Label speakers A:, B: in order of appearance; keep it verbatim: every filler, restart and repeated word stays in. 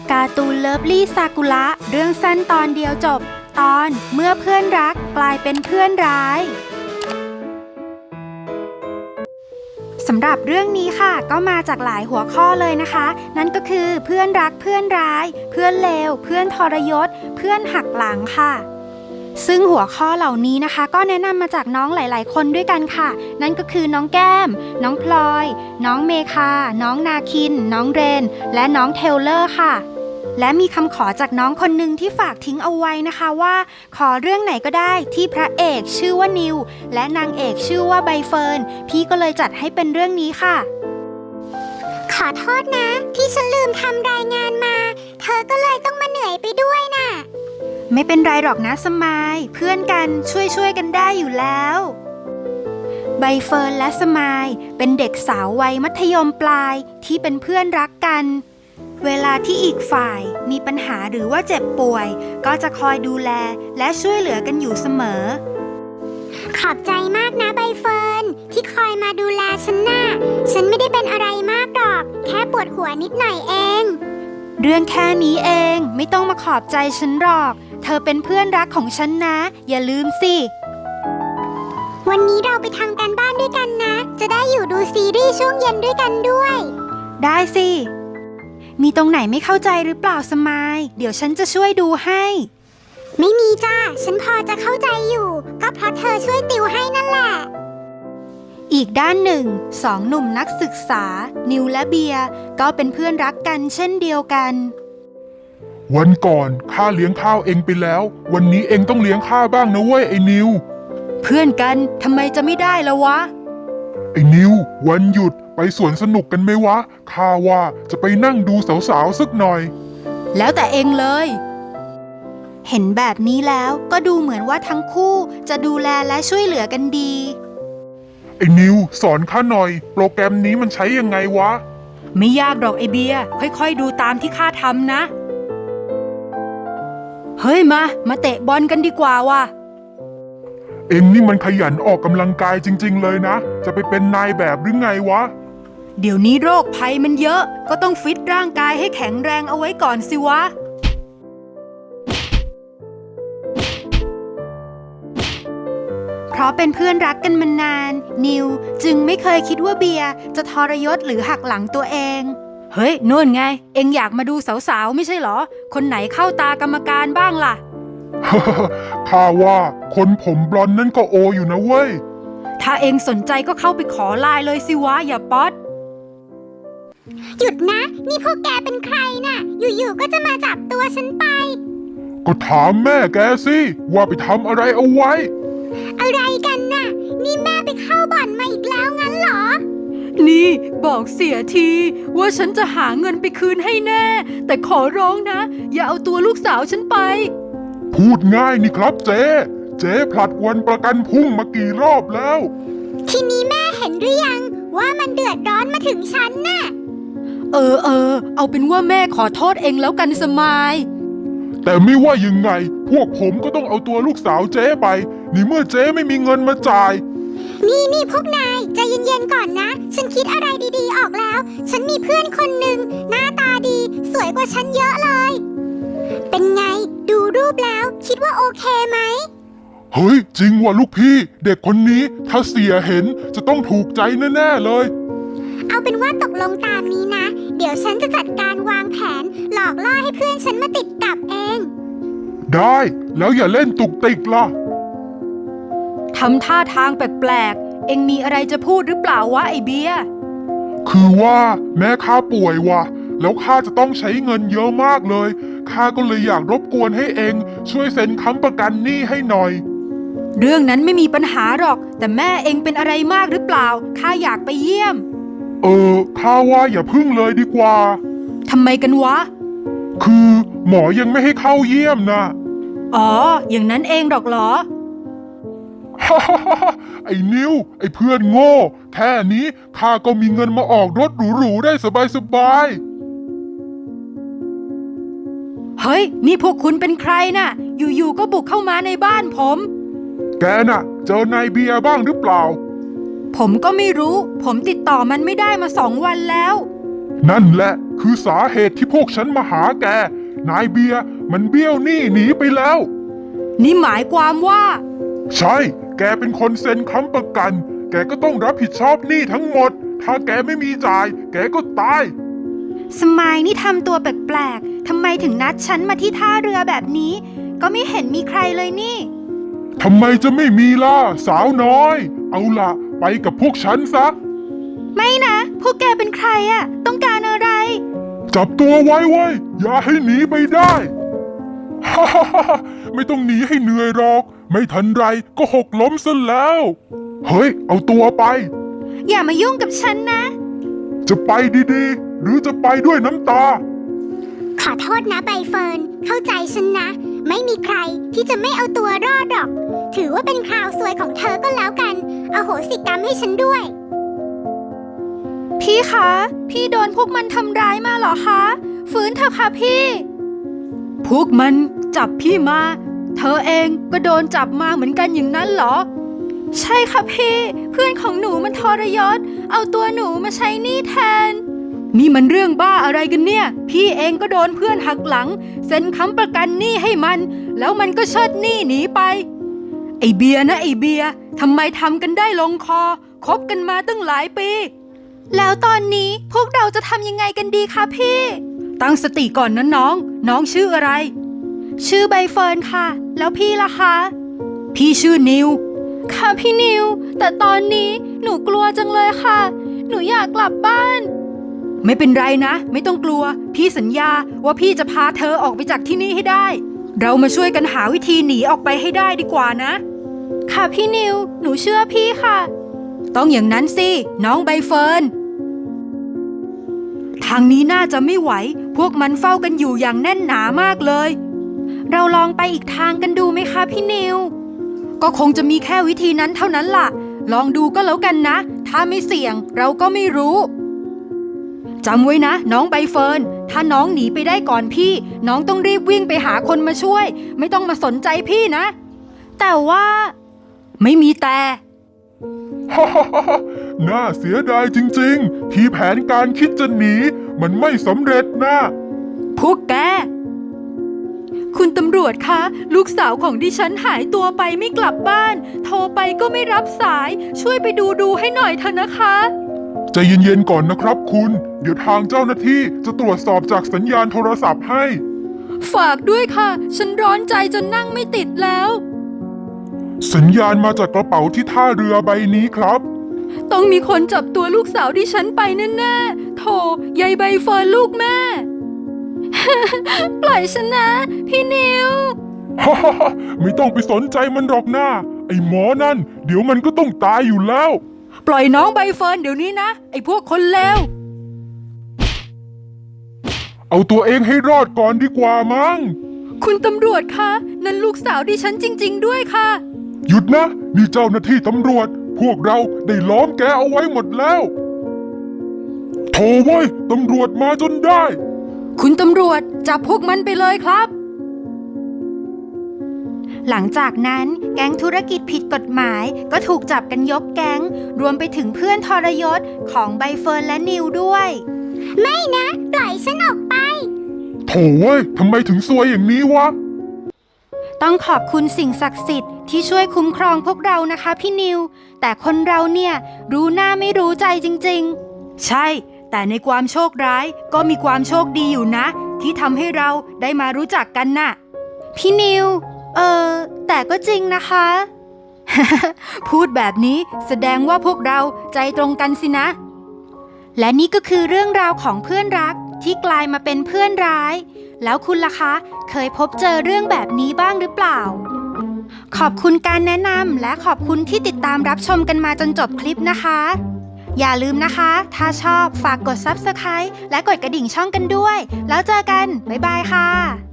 A: การ์ตูนเลิฟลี่ซากุระเรื่องสั้นตอนเดียวจบตอนเมื่อเพื่อนรักกลายเป็นเพื่อนร้ายสำหรับเรื่องนี้ค่ะก็มาจากหลายหัวข้อเลยนะคะนั่นก็คือเพื่อนรักเพื่อนร้ายเพื่อนเลวเพื่อนทรยศเพื่อนหักหลังค่ะซึ่งหัวข้อเหล่านี้นะคะก็แนะนำมาจากน้องหลายๆคนด้วยกันค่ะนั่นก็คือน้องแก้มน้องพลอยน้องเมคาน้องนาคินน้องเรนและน้องเทเลอร์ค่ะและมีคำขอจากน้องคนหนึ่งที่ฝากทิ้งเอาไว้นะคะว่าขอเรื่องไหนก็ได้ที่พระเอกชื่อว่านิวและนางเอกชื่อว่าใบเฟิร์นพี่ก็เลยจัดให้เป็นเรื่องนี้ค่ะ
B: ขอโทษนะที่ฉันลืมทำรายงานมาเธอก็เลยต้องมาเหนื่อยไปด้วยน่ะ
A: ไม่เป็นไรหรอกนะสมายเพื่อนกันช่วยช่วยกันได้อยู่แล้วใบเฟิร์นและสมายเป็นเด็กสาววัยมัธยมปลายที่เป็นเพื่อนรักกันเวลาที่อีกฝ่ายมีปัญหาหรือว่าเจ็บป่วยก็จะคอยดูแลและช่วยเหลือกันอยู่เสมอ
B: ขอบใจมากนะใบเฟิร์นที่คอยมาดูแลฉันน่ะฉันไม่ได้เป็นอะไรมากหรอกแค่ปวดหัวนิดหน่อยเอง
A: เรื่องแค่นี้เองไม่ต้องมาขอบใจฉันหรอกเธอเป็นเพื่อนรักของฉันนะอย่าลืมสิ
B: วันนี้เราไปทำการบ้านด้วยกันนะจะได้อยู่ดูซีรีส์ช่วงเย็นด้วยกันด้วย
A: ได้สิมีตรงไหนไม่เข้าใจหรือเปล่าสมายเดี๋ยวฉันจะช่วยดูให้
B: ไม่มีจ้าฉันพอจะเข้าใจอยู่ก็เพราะเธอช่วยติวให้นั่นแหละ
A: อีกด้านหนึ่งสองหนุ่มนักศึกษานิวและเบียร์ก็เป็นเพื่อนรักกันเช่นเดียวกัน
C: วันก่อนข้าเลี้ยงข้าวเองไปแล้ววันนี้เองต้องเลี้ยงข้าบ้างนะเว้ยไอ้นิว
A: เพื่อนกันทำไมจะไม่ได้ละวะ
C: ไอ้นิววันหยุดไปสวนสนุกกันไหมวะข้าว่าจะไปนั่งดูสาวๆสักหน่อย
A: แล้วแต่เองเลยเห็นแบบนี้แล้วก็ดูเหมือนว่าทั้งคู่จะดูแลและช่วยเหลือกันดี
C: ไอ้นิวสอนข้าหน่อยโปรแกรมนี้มันใช้ยังไงวะ
A: ไม่ยากหรอกไอเบียร์ค่อยๆดูตามที่ข้าทำนะเฮ้ยมามาเตะบอลกันดีกว่าว่ะ
C: เอ็งนี่มันขยันออกกำลังกายจริงๆเลยนะจะไปเป็นนายแบบหรือไงวะ
A: เดี๋ยวนี้โรคภัยมันเยอะก็ต้องฟิตร่างกายให้แข็งแรงเอาไว้ก่อนสิวะเพราะเป็นเพื่อนรักกันมานานนิวจึงไม่เคยคิดว่าเบียร์จะทรยศหรือหักหลังตัวเองเฮ้ยนู่นไงเอ็งอยากมาดูสาวๆไม่ใช่เหรอคนไหนเข้าตากรรมการบ้างล่ะ
C: ข้าว่าคนผมบลอนด์นั่นก็โออยู่นะเว้ย
A: ถ้าเอ็งสนใจก็เข้าไปขอไลน์เลยสิวะอย่าป๊อด
B: หยุดนะนี่พวกแกเป็นใครน่ะอยู่ๆก็จะมาจับตัวฉันไป
C: ก็ถามแม่แกสิว่าไปทำอะไรเอาไว้
B: อะไรกันน่ะนี่แม่ไปเข้าบ่อนมาอีกแล้วงั้นเหรอ
A: นี่บอกเสียทีว่าฉันจะหาเงินไปคืนให้แน่แต่ขอร้องนะอย่าเอาตัวลูกสาวฉันไป
C: พูดง่ายนี่ครับเจ๊เจ๊ผลัดวันประกันพรุ่งมากี่รอบแล้ว
B: ทีนี้แม่เห็นหรือยังว่ามันเดือดร้อนมาถึงฉันน่ะ
A: เออเออเอาเป็นว่าแม่ขอโทษเองแล้วกันสมาย
C: แต่ไม่ว่ายังไงพวกผมก็ต้องเอาตัวลูกสาวเจ๊ไปนี่เมื่อเจ๊ไม่มีเงินมาจ่าย
B: นี่นี่พวกนายใจเย็นๆก่อนนะฉันคิดอะไรดีๆออกแล้วฉันมีเพื่อนคนหนึ่งหน้าตาดีสวยกว่าฉันเยอะเลยเป็นไงดูรูปแล้วคิดว่าโอเคไหม
C: เฮ้ยจริงว่ะลูกพี่เด็กคนนี้ถ้าเสียเห็นจะต้องถูกใจแน่ๆเลย
B: เอาเป็นว่าตกลงตามนี้นะเดี๋ยวฉันจะจัดการวางแผนหลอกล่อให้เพื่อนฉันมาติดกับเอง
C: ได้แล้วอย่าเล่นตุกติกล่ะ
A: ทำท่าทางแปลกๆเอ็งมีอะไรจะพูดหรือเปล่าวะไอเบียร์
C: คือว่าแม่ข้าป่วยว่ะแล้วข้าจะต้องใช้เงินเยอะมากเลยข้าก็เลยอยากรบกวนให้เอ็งช่วยเซ็นค้ำประกันหนี้ให้หน่อย
A: เรื่องนั้นไม่มีปัญหาหรอกแต่แม่เอ็งเป็นอะไรมากหรือเปล่าข้าอยากไปเยี่ยม
C: เออข้าว่าอย่าพึ่งเลยดีกว่า
A: ทำไมกันวะ
C: คือหมอยังไม่ให้เข้าเยี่ยมนะ
A: อ๋ออย่างนั้นเองหรอกเหรอ
C: ฮ่าฮ่าฮ่าไอ้นิวไอ้เพื่อนโง่แค่นี้ข้าก็มีเงินมาออกรถหรูๆได้สบาย
A: ๆเฮ้ยนี่พวกคุณเป็นใครน่ะอยู่ๆก็บุกเข้ามาในบ้านผม
C: แกน่ะเจอนายเบียร์บ้างหรือเปล่า
A: ผมก็ไม่รู้ผมติดต่อมันไม่ได้มาสองวันแล้ว
C: นั่นแหละคือสาเหตุที่พวกฉันมาหาแก นายเบียร์มันเบี้ยวหนี้หนีไปแล้ว
A: นี่หมายความว่า
C: ใช่ แกเป็นคนเซ็นค้ำประกัน แกก็ต้องรับผิดชอบหนี้ทั้งหมด ถ้าแกไม่มีจ่าย แกก็ตาย
A: สมายนี่ทำตัวแปลกๆ ทำไมถึงนัดฉันมาที่ท่าเรือแบบนี้ ก็ไม่เห็นมีใครเลยนี่
C: ทำไมจะไม่มีล่ะ สาวน้อย เอาล่ะ ไปกับพวกฉันซะ
A: ไม่นะ พวกแกเป็นใครอะต้องการอะไร
C: จับตัวไว้ไว้ยอย่าให้หนีไปได้ ฮ่าฮ่าฮ่าไม่ต้องหนีให้เหนื่อยหรอก ไม่ทันไรก็หกล้มซะแล้ว เฮ้ย เอาตัวไป
A: อย่ามายุ่งกับฉันนะ
C: จะไปดีๆ หรือจะไปด้วยน้ำตา
B: ขอโทษนะใบเฟิร์น เข้าใจฉันนะ ไม่มีใครที่จะไม่เอาตัวรอดหรอก ถือว่าเป็นคราวซวยของเธอก็แล้วกันอโหสิกรรมให้ฉันด้วย
A: พี่คะ พี่โดนพวกมันทำร้ายมาเหรอคะ ฟื้นเถอะค่ะพี่ พวกมันจับพี่มา เธอเองก็โดนจับมาเหมือนกันอย่างนั้นเหรอ ใช่ค่ะพี่ เพื่อนของหนูมันทรยศ เอาตัวหนูมาใช้หนี้แทน นี่มันเรื่องบ้าอะไรกันเนี่ย พี่เองก็โดนเพื่อนหักหลังเซ็นค้ำประกันหนี้ให้มัน แล้วมันก็เชิดหนี้หนีไป ไอเบียร์นะไอเบียร์ทำไมทำกันได้ลงคอคบกันมาตั้งหลายปี แล้วตอนนี้พวกเราจะทำยังไงกันดีคะพี่ ตั้งสติก่อนนะน้อง น้องชื่ออะไร ชื่อใบเฟิร์นค่ะ แล้วพี่ล่ะคะ พี่ชื่อนิว ค่ะพี่นิว แต่ตอนนี้หนูกลัวจังเลยค่ะ หนูอยากกลับบ้าน ไม่เป็นไรนะ ไม่ต้องกลัว พี่สัญญาว่าพี่จะพาเธอออกไปจากที่นี่ให้ได้ เรามาช่วยกันหาวิธีหนีออกไปให้ได้ดีกว่านะ ค่ะพี่นิว หนูเชื่อพี่ค่ะ ต้องอย่างนั้นสิ น้องใบเฟิร์น ทางนี้น่าจะไม่ไหว พวกมันเฝ้ากันอยู่อย่างแน่นหนามากเลย เราลองไปอีกทางกันดูไหมคะพี่นิว ก็คงจะมีแค่วิธีนั้นเท่านั้นล่ะ ลองดูก็แล้วกันนะ ถ้าไม่เสี่ยงเราก็ไม่รู้ จำไว้นะ น้องใบเฟิร์น ถ้าน้องหนีไปได้ก่อนพี่ น้องต้องรีบวิ่งไปหาคนมาช่วย ไม่ต้องมาสนใจพี่นะ แต่ว่า ไม่มีแต่
C: ฮ่าฮ่าฮ่าน่าเสียดายจริงๆ ที่แผนการคิดจะหนีมันไม่สำเร็จนะ
A: พวกแก คุณตำรวจคะ ลูกสาวของดิฉันหายตัวไปไม่กลับบ้าน โทรไปก็ไม่รับสาย ช่วยไปดูดูให้หน่อยเถอะนะคะ
C: ใจเย็นๆก่อนนะครับคุณ เดี๋ยวทางเจ้าหน้าที่จะตรวจสอบจากสัญญาณโทรศัพท์ให้
A: ฝากด้วยค่ะ ฉันร้อนใจจนนั่งไม่ติดแล้ว
C: สัญญาณมาจากกระเป๋าที่ท่าเรือใบนี้ครับ
A: ต้องมีคนจับตัวลูกสาวดิฉันไปแน่ๆโถยายใบเฟิร์นลูกแม่ ปล่อยฉันนะ พี่นิว
C: ฮ่าฮ่าฮ่าไม่ต้องไปสนใจมันหรอกนะไอ้หมอนั่น เดี๋ยวมันก็ต้องตายอยู่แล้ว
A: ปล่อยน้องใบเฟิร์นเดี๋ยวนี้นะ ไอ้พวกคนเลว
C: เอาตัวเองให้รอดก่อนดีกว่ามั้ง
A: คุณตำรวจคะนั่นลูกสาวดิฉันจริง ๆ ด้วยค่ะ
C: หยุดนะ นี่เจ้าหน้าที่ตำรวจ พวกเราได้ล้อมแกเอาไว้หมดแล้วโถ่เว้ยตำรวจมาจนได้
A: คุณตำรวจจับพวกมันไปเลยครับ หลังจากนั้นแก๊งธุรกิจผิดกฎหมายก็ถูกจับกันยกแก๊ง รวมไปถึงเพื่อนทรยศของใบเฟิร์นและนิวด้วย
B: ไม่นะ ปล่อยฉันออกไป
C: โถ่เว้ยทำไมถึงซวยอย่างนี้วะ
A: ต้องขอบคุณสิ่งศักดิ์สิทธิ์ที่ช่วยคุ้มครองพวกเรานะคะพี่นิว แต่คนเราเนี่ยรู้หน้าไม่รู้ใจจริงๆ ใช่ แต่ในความโชคร้ายก็มีความโชคดีอยู่นะ ที่ทำให้เราได้มารู้จักกันน่ะ พี่นิว เออแต่ก็จริงนะคะ พูดแบบนี้แสดงว่าพวกเราใจตรงกันสินะ และนี่ก็คือเรื่องราวของเพื่อนรักที่กลายมาเป็นเพื่อนร้าย แล้วคุณล่ะคะ เคยพบเจอเรื่องแบบนี้บ้างหรือเปล่า ขอบคุณการแนะนำและขอบคุณที่ติดตามรับชมกันมาจนจบคลิปนะคะ อย่าลืมนะคะ ถ้าชอบฝากกด ซับสไครบ์ และกดกระดิ่งช่องกันด้วย แล้วเจอกัน บ๊ายบายค่ะ